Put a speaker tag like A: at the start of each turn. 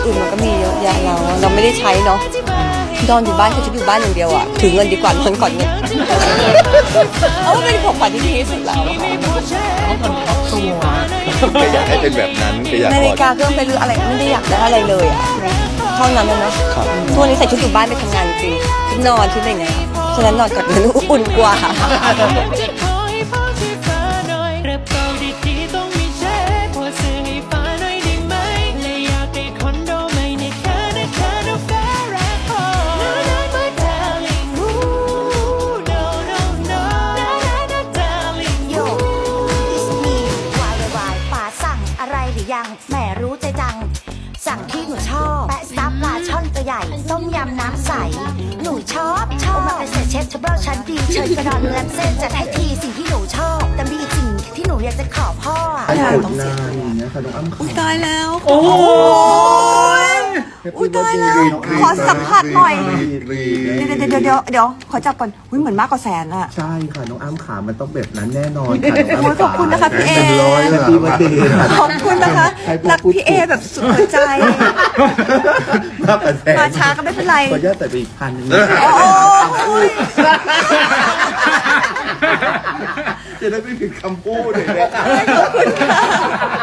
A: อื่นมันก็มีเยอะแยะเราไม่ได้ใช้เนาะนอนอยู่บ้านคือจะอยู่บ้านอย่างเดียวอะถือเงินดีกว่านอนก่อนเงินเอาเป็นของขวัญที่ดีที่สุดแล้ว
B: ก็อยากให้เป็นแบบนั้นก็อยาก
A: นาฬิกาเครื่องไปรืออะไรไม่ได้อยากได้อะไรเลยอะเท่านั้นเลยเนาะทุกวันนี้ใส่ชุดอยู่บ้านไปทำงานจริงชุดนอนชุดอะไรเงี้ยฉะนั้นนอนก่อนเงินอุ่นกว่า
C: ยังแหมรู้ใจจังสั่งที่หนูชอบแปะซับปลาช่อนตัวใหญ่ต้มยำน้ำใสหนูชอบโอมาเกษตรเชฟเทเบิลชั้นดีเชิญกระดอนเนื้อเส้นจัดให้ทีสิ่งที่หนูชอบแต่มีอีกสิ่งที่หนูอยากจะขอพ่อ
D: ต้องเสียอย่างเงี้ยค่ะน้องอ้ำ
A: อุ้ยตายแล้วโอ้ยอุ้ยตายแล้วขอสัมผัสหน่อยเดี๋ยวขอจับก่อนอุ้ยเหมือนมากกว่าแสนอะ
D: ใช่ค่ะน้องอ้ำขามันต้องแบบนั้นแน่นอนค่ะน้องอ้ำ
A: ขอบคุณนะคะพี่เอ
D: พี่วันดี
A: ขอบคุณนะคะรักพี่เอแบบสุดหัวใจมาช้าก็ไม่เป็นไร
D: ขออนุญาตใส่ไปอีก1,000
A: โอ้ย
D: จะได้ไม่ผิดคำพูดเลยนะ
A: ขอบคุณค่ะ